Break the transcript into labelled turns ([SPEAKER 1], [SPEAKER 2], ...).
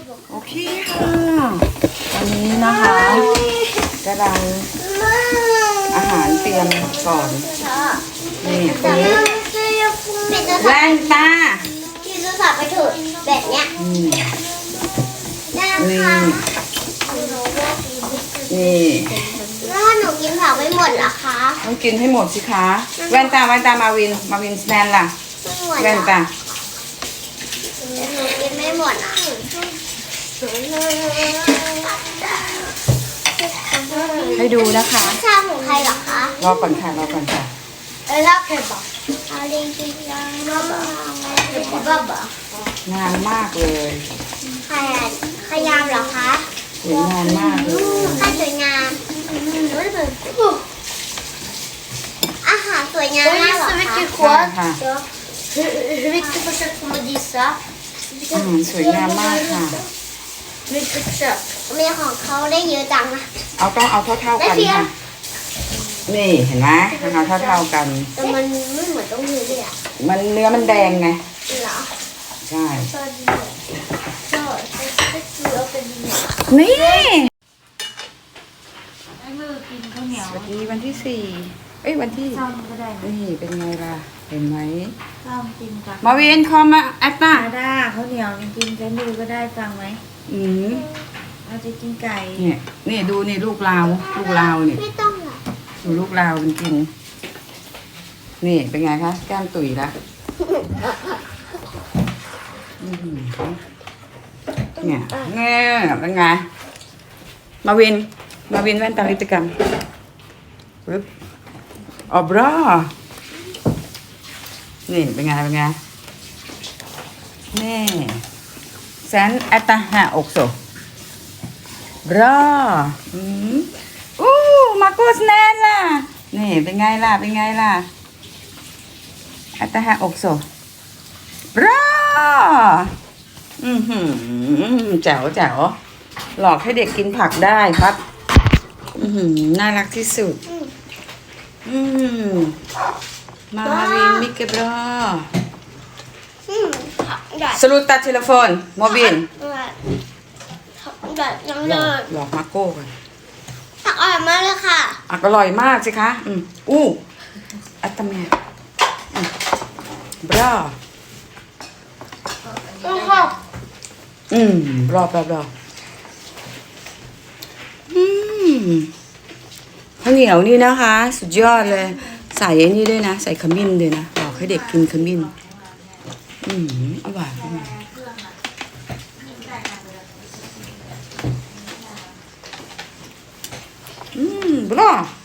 [SPEAKER 1] โอเคค่ะตอนนี้นะคะกำลังอาหารเตรียมก่อนนี่ปุ๊บแว่นตา
[SPEAKER 2] ที่จะสับไปถูกแบบเนี้ยนะคะ
[SPEAKER 1] นี่
[SPEAKER 2] แล้วถ้าหนูกินผักไม่หมดเหรอคะ
[SPEAKER 1] ต้องกินให้หมดสิคะแว่นตามาวินสแนนล่ะแว่นตา
[SPEAKER 2] หนูกินไม่หมดอ่ะ
[SPEAKER 1] ให้ดูนะคะ
[SPEAKER 2] ชาของใครเหรอคะ
[SPEAKER 1] รอก่อนค่ะ
[SPEAKER 2] แล้วใครบอกอะไรกินยังบ้าบ้
[SPEAKER 1] งานมากเลย
[SPEAKER 2] ขยามเหรอคะ
[SPEAKER 1] สวยงามมากเลย
[SPEAKER 2] สวยงามอาหารสวยงามมากเหรอคะ
[SPEAKER 1] ค่ะอาหารสวยงามมากค่ะ
[SPEAKER 2] มีของเขาได้เยอะจังนะ
[SPEAKER 1] ต้องเอาเท่ากันค่ะนี่เห็นไหมเอาเท่ากัน
[SPEAKER 2] แต่มันไม่เหมือนต้องเนื้อเลยอ่ะ
[SPEAKER 1] มันเนื้อมันแดงไง
[SPEAKER 2] เหรอ
[SPEAKER 1] ใช่
[SPEAKER 2] นี่
[SPEAKER 1] สวัสดีวันที่4วันที่นี่เป็นไงล่ะเห็นไหมมาเวียนคอมมาแอตตา
[SPEAKER 3] ได้ข้าวเหนียวกินกันดูก็ได้ฟังไหมเราจะกินไก่
[SPEAKER 1] นี่ดูนี่ลูกลาวนี่
[SPEAKER 2] ไม่ต้องหรอก
[SPEAKER 1] ดูลูกลาวมันกินนี่เป็นไงคะแก้มตุ๋ยละเนี่ยเป็นไงมาวินแว่นตาลิตกรรมปึ๊บอ๋อบรานี่เป็นไงนี่แซนแอตตาหาอกโซบรามาโกสแนนล่ะนี่เป็นไงล่ะแอตตาหาอกโซบราแจ๋วหลอกให้เด็กกินผักได้ครับน่ารักที่สุดมาวินมิกเกบรอสรุตตาเทเลโฟนโมบิลหลอกมาโก้กัน
[SPEAKER 2] ผักอร่อยมากเลยค่ะ
[SPEAKER 1] อร่อยมากสิคะอัตตาเมียบรารอบข้าวเหนียวนี่นะคะสุดยอดเลยใส่ไอ้นี่ด้วยนะใส่ขมิ้นด้วยนะบอกให้เด็กกินขมิ้นอร่อยบลา